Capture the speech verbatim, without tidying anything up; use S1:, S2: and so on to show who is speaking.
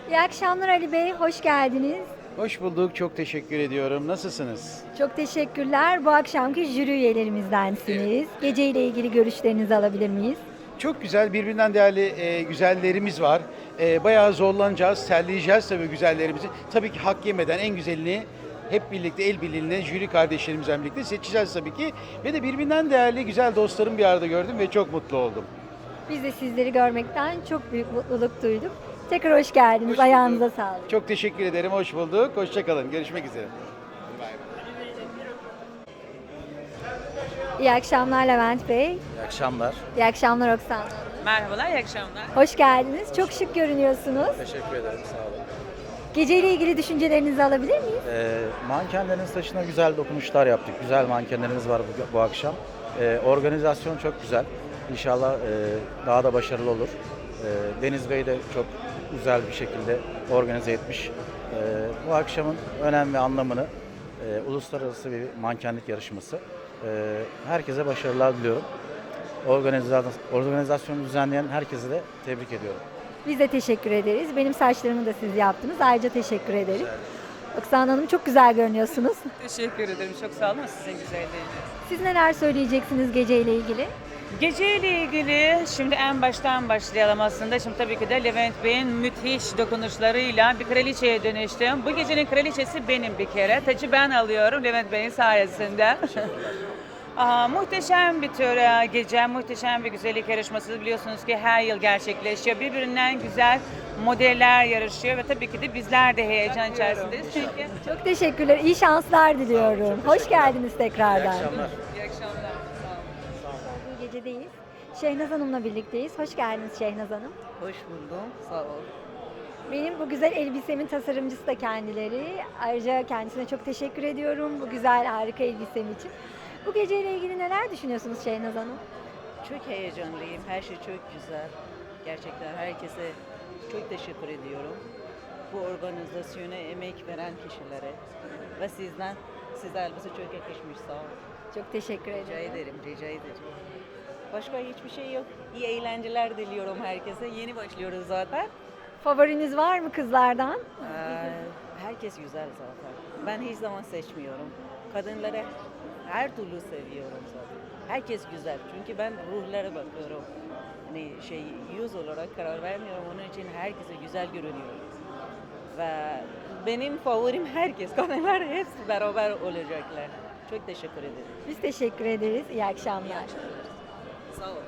S1: İyi akşamlar Ali Bey, hoş geldiniz.
S2: Hoş bulduk, çok teşekkür ediyorum. Nasılsınız?
S1: Çok teşekkürler. Bu akşamki jüri üyelerimіздensiniz. Gece ile ilgili görüşlerinizi alabilir miyiz?
S2: Çok güzel, birbirinden değerli e, güzellerimiz var. E, bayağı zorlanacağız, terleyeceğiz tabii güzellerimizi. Tabii ki hak yemeden en güzelini hep birlikte el birliğiyle jüri kardeşlerimizle birlikte seçeceğiz tabii ki. Ve de birbirinden değerli güzel dostlarım bir arada gördüm ve çok mutlu oldum.
S1: Biz de sizleri görmekten çok büyük mutluluk duyduk. Tekrar hoş geldiniz.
S2: Hoş
S1: Ayağınıza
S2: bulduk.
S1: sağlık.
S2: Çok teşekkür ederim, hoş bulduk. Hoşçakalın, görüşmek üzere.
S1: İyi akşamlar Levent Bey.
S3: İyi akşamlar.
S1: İyi akşamlar Oksana Hanım.
S4: Merhabalar, iyi akşamlar.
S1: Hoş geldiniz. Çok şık görünüyorsunuz.
S3: Teşekkür ederim. Sağ olun.
S1: Gece ile ilgili düşüncelerinizi alabilir miyiz?
S3: Ee, mankenlerin saçına güzel dokunuşlar yaptık. Güzel mankenlerimiz var bu, bu akşam. Ee, organizasyon çok güzel. İnşallah e, daha da başarılı olur. Ee, Deniz Bey de çok güzel bir şekilde organize etmiş. Ee, bu akşamın önem ve anlamını e, uluslararası bir mankenlik yarışması. Ee, herkese başarılar diliyorum. Organizasyon, organizasyonu düzenleyen herkese de tebrik ediyorum.
S1: Biz de teşekkür ederiz. Benim saçlarımı da siz yaptınız. Ayrıca teşekkür ederim. Oksana Hanım çok güzel görünüyorsunuz.
S4: Teşekkür ederim, çok sağ olun. Sizin güzelliğiniz.
S1: Siz neler söyleyeceksiniz gece ile ilgili?
S4: Gece ile ilgili şimdi en baştan başlayalım aslında. Şimdi tabii ki de Levent Bey'in müthiş dokunuşlarıyla bir kraliçeye dönüştüm. Bu gecenin kraliçesi benim bir kere. Tacı ben alıyorum Levent Bey'in sayesinde. Aa, muhteşem bir tür e, gece, muhteşem bir güzellik yarışması biliyorsunuz ki her yıl gerçekleşiyor. Birbirinden güzel modeller yarışıyor ve tabii ki de bizler de heyecan içerisindeyiz. Çünkü
S1: Çok teşekkürler. İyi şanslar diliyorum. Hoş geldiniz tekrardan.
S3: İyi akşamlar.
S4: iyi akşamlar. Sağ olun.
S1: Bu gecedeyiz. Şehnaz Hanım'la birlikteyiz. Hoş geldiniz Şehnaz Hanım.
S5: Hoş buldum. Sağ ol.
S1: Benim bu güzel elbisemin tasarımcısı da kendileri. Ayrıca kendisine çok teşekkür ediyorum bu güzel harika elbisem için. Bu geceyle ilgili neler düşünüyorsunuz Şehnaz Hanım?
S5: Çok heyecanlıyım. Her şey çok güzel. Gerçekten herkese çok teşekkür ediyorum. Bu organizasyona emek veren kişilere ve sizden, size elbise çok yakışmış. Sağ olun.
S1: Çok teşekkür
S5: Rica
S1: ederim.
S5: ederim, rica ederim. Başka hiçbir şey yok. İyi eğlenceler diliyorum herkese. Yeni başlıyoruz zaten.
S1: Favoriniz var mı kızlardan?
S5: Ee, herkes güzel zaten. Ben hiç zaman seçmiyorum. Kadınları her türlü seviyorum zaten. Herkes güzel. Çünkü ben ruhlara bakıyorum. Hani şey yüz olarak karar vermiyorum. Onun için herkese güzel görünüyor. Ve benim favorim herkes. Kadınlar hepsi beraber olacaklar. Çok teşekkür ederim.
S1: Biz teşekkür ederiz. İyi akşamlar.
S5: Sağ olun.